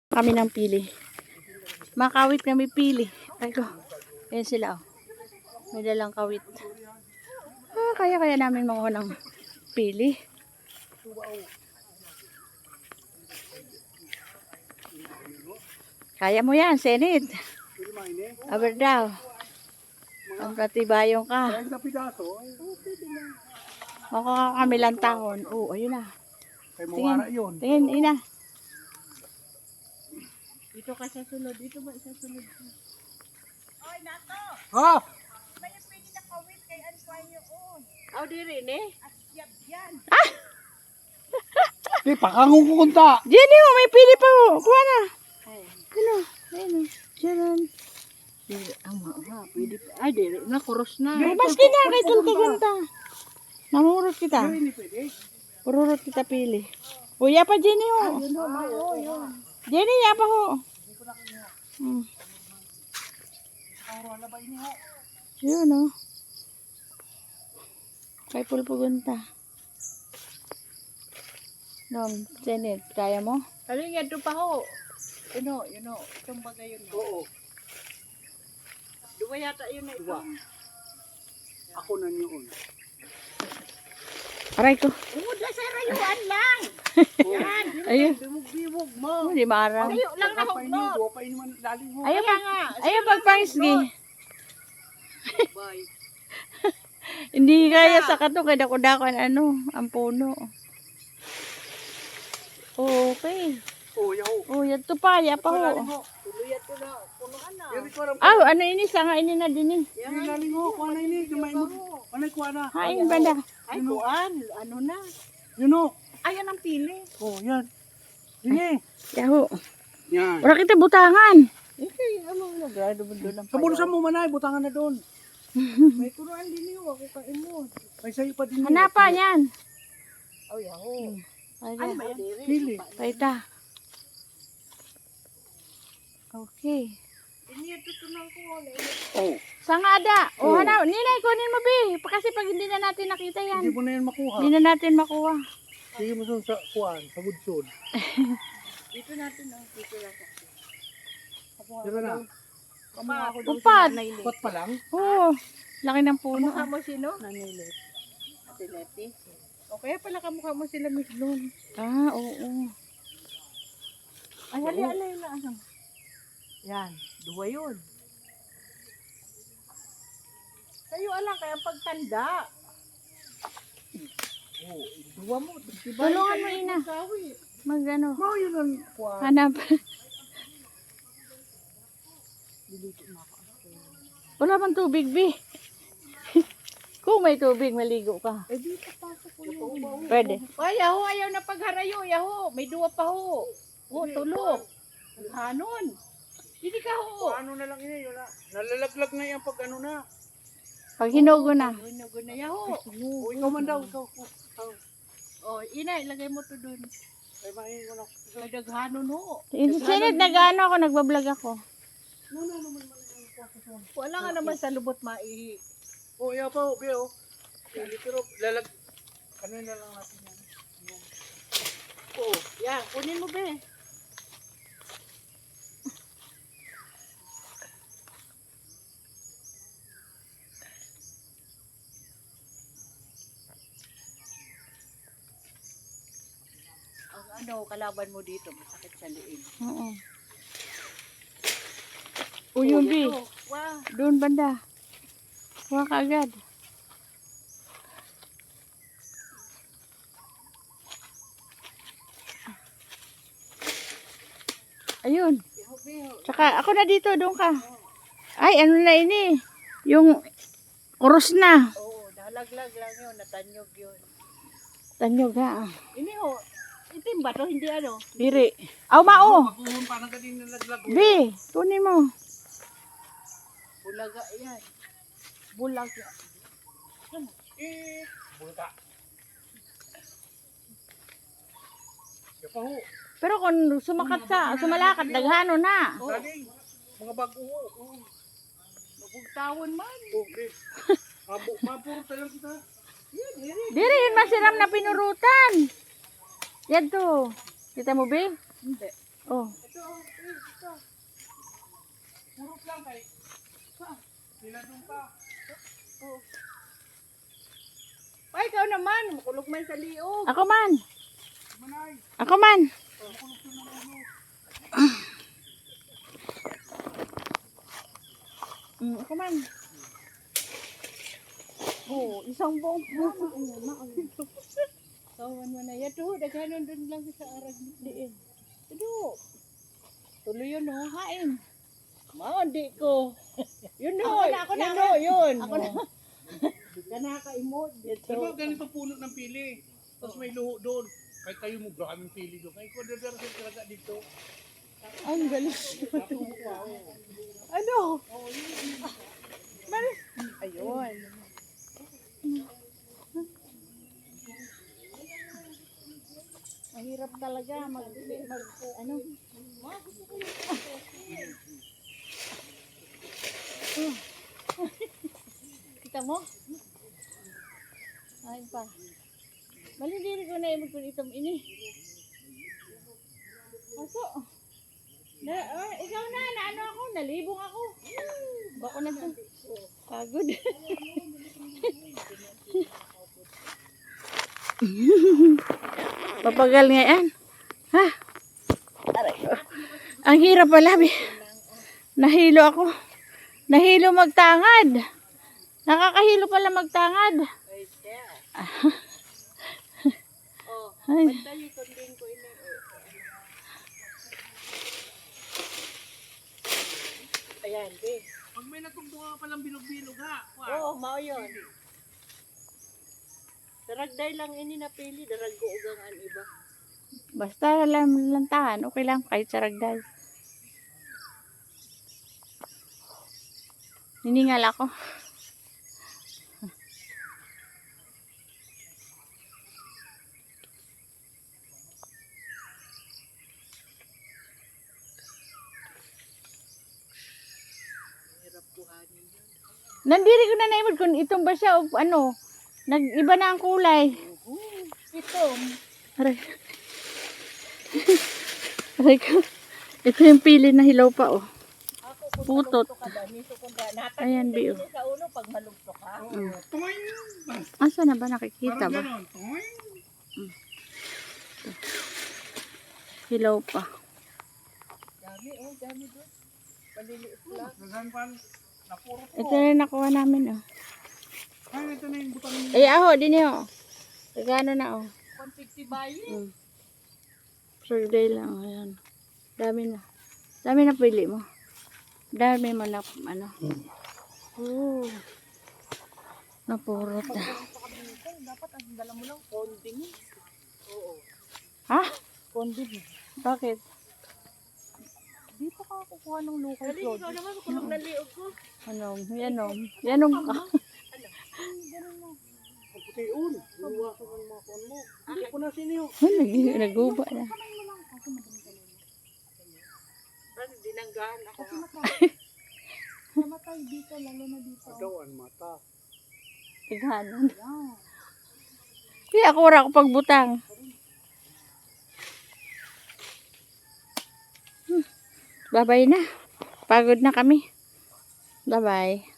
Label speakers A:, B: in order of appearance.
A: Kami ng pili. Makawit kami pili. Ay ko. Ayan sila oh. May dalang kawit. Kaya namin makuha ng pili. Kaya mo yan, Senit. Aber daw. Ang pratibayong ka. Makuha kami lang tahon. Oh, ayun na. Tingin, tingin, ina. Dito ka sa sunod. Dito ba sa sunod? Oy, nato!
B: Ha?
A: May pwede na kawit kay Antoine yun. Aw, di rin eh. Asyab yan.
B: Di, pakangong kukunta.
A: Jenny, oh, may pili pa oh. Kuha na. Ano? Ayun oh. Diyan. Pwede pa. Ay, di rin. Nakuros na. Maski na kay tulta-ganta. Namurot kita. Pururot kita pili. Uya pa, Jenny oh. Jenny, yapa ho. Yun oh. Kay pulpugunta. Nom, Janet, kaya mo? Halin yan pa ho. Yun o. Itong bagay yun.
B: Oo.
A: Dua yata yun na ito.
B: Ako na yun.
A: Aray ko.
C: Umod lang sa rayuan lang. Yan.
A: Ayun.
C: Bimog-bimog mo.
A: Hindi maaraw.
C: Layo lang na hugnot.
A: Ayun pa nga. Ayun pagpangisgi.
C: Bye.
A: Hindi kaya sa kato kaya dako-dakan ang puno. Okay. Oh, yan to pa, ya pa ho.
C: Tuluyat ko na. Punuan na.
A: Ano ini sanga ini na din eh.
B: Yan laling ho, kuha na ini. Gamay mo. Manay kuha na.
A: Hain banda.
C: Ay, kuan. Ano na?
B: Yun o.
C: Ayan ang pili.
B: Oh, yan. Dini.
A: Yaho.
B: Yan.
A: Ora kita butangan.
C: Okay, ano na. Grado mo doon ang
B: Sa bulsa mo manay, butangan na doon.
C: May turuan din yun. Ako kaimod.
B: May sayo pa din.
A: Hanapa yan.
C: Oh, yaho. Ay,
A: Ay,
C: madiri.
B: Pili.
A: paita. Okay.
C: Ini tutunan ko.
B: Oh.
A: Sanga ada.
B: Oh.
A: Hana, nilay kunin mo bi. Kasi pag hindi na natin nakita yan.
B: Hindi mo na yan makuha.
A: Hindi na natin makuha.
B: Sige mo sa kuhaan, sa gudsyon.
C: Dito natin. Dito lang.
B: Di ba na?
C: Kamukha ko doon
A: Upad.
C: si Nanay Lit.
B: Pot pa lang?
A: Oo. Laki ng puno.
C: Kamukha mo sino?
A: Nanay Lit.
C: Ate Leti. O kaya pala kamukha mo sila Miss Loon.
A: Oo.
C: Ay, hali-alay na ano. Yan, duwa yun. Sa'yo alam, kaya pagtanda. Oh, duwa mo. Diba
A: Tulungan mo, ina. Mag ano.
B: Oh, yun ang kuhaan.
A: Hanap. Wala bang tubig, bi? Kung may tubig, maligo ka.
C: Eh, dito pasok ko yun.
A: Pwede.
C: Ay, yaho, ayaw na pagharayo, yaho. May duwa pa ho. Oh, tulog. Hanon. Hindi ka ho.
B: Ano na lang yun, yun na. Nalalaglag na yan pag ano na.
A: Pag hinugo na.
C: Gunago na, yaho.
B: O, ikaw man daw. Ikaw.
C: Oh, ina, ilagay mo to dun.
B: Ay, mahin ko na.
C: May daghanon ho.
A: Sinit, nag-ano ako, nagbablog ako.
C: Wala nga naman sa lubot maihi.
B: O, iya pa, be, o. Pero, ano na lang natin yan.
C: Oh, yan, kunin mo be. Ang kalaban mo dito, masakit sa liig.
A: Oo. Uyong, bi.
C: Wow.
A: Doon banda. Kuha ka agad. Ayun. Tsaka ako na dito, doon ka. Ay, ano na ini? Yung kuros na.
C: Oo, nalaglag lang yun, natanyog yun.
A: Tanyog ha.
C: Ini ho, itim ba to? Hindi ano?
A: Diri. Aw, mao.
B: Makuhon pa na kanina nalaglag.
A: Bi, tunin mo.
C: Bulaga yan. Bulaga.
B: Bulta. Iya pa, ho.
A: Pero kung sumalakad, daghano na.
B: Galing. Mga bago, ho.
C: Mabugtawon man.
B: Okay. Mapuro tayo kita.
A: Diri, yun masiram na pinurutan. Yan to. Kita mo, Bi?
C: Hindi.
A: Oh.
C: Ito, man sa liog.
A: Ako man. Ako man. Ako man.
C: Oh, isang buong puso. Kawan mo na. Yato, daghanon dun lang sa arag diin. Ito. Tuloy yun, no? Hain. Maundi ko. Yun, no. Ako na. Yun. Ako na. Kanaka-imod.
B: Diba ganito puno ng pili? Tapos may luho doon. Kahit kayo mo, maraming pili doon. Kahit ko dadarasin talaga dito.
A: Ang galing.
C: Ano? Ayun.
A: Mahirap talaga ano. Kita mo? Ay pa. Malindiri ko na imod ko itom ini. Aso. Ikaw na, ano ako, nalibong ako. Bako na to. Pagod. Papagal nga yan. Ha? Aray ko. Ang hirap pala. Nahilo ako. Nahilo magtangad. Nakakahilo pala magtangad. Ay.
C: Ayan, be.
B: Pag may natungtungan ka palang bilog-bilog ha.
C: Oo, mao yun. Daragday lang ini napili, daraggo ugang an iba.
A: Basta lantahan, okay lang kahit saragday. Hiningal ako.
C: Hirap kuhanin yun.
A: Nandiri ko na naimod kung itong ba siya o ano, nag-iba na ang kulay.
C: Ito,
A: Aray. Aray ko. Ito yung pili na hilaw pa oh.
C: ako kung
A: Putot.
C: malugto ka ba, nito kung natag
A: Ayan, Bio.
C: sa ulo pag malugto ka.
B: Tungoy!
A: Asa na ba nakikita
B: Parang
A: ba?
B: ganon. Tungoy!
A: Hilaw pa.
C: Dami, oh, dami doon. Paliliit lang.
B: Naganpan. Napuro po.
A: Ito na nakuha namin oh.
B: Ay, ito na yung butang niya.
A: Ay aho, din yun oh. Regano na oh.
C: Konti bayi.
A: Sarday lang, ayan. Dami na. Dami na pili mo. Dami mo na, ano. Napurot na.
C: Dapat ang dala mo lang konding. Oo.
A: Ha?
C: Konding.
A: Bakit?
C: Dito ka kukuha ng local Dali, ikaw naman kulog na liog ko.
A: Ano? Yanom. Yanom ka.
B: Ang putiun. Luwa ka ng mga kuwan mo. Hindi ko na siniyo.
A: Naguba na.
C: Parang dinanggahan ako. Namatay dito, lalo na dito.
B: Adawan mata.
A: Tighanan. Kaya ako wala ko pagbutang. Bye-bye na. Pagod na kami. Bye-bye.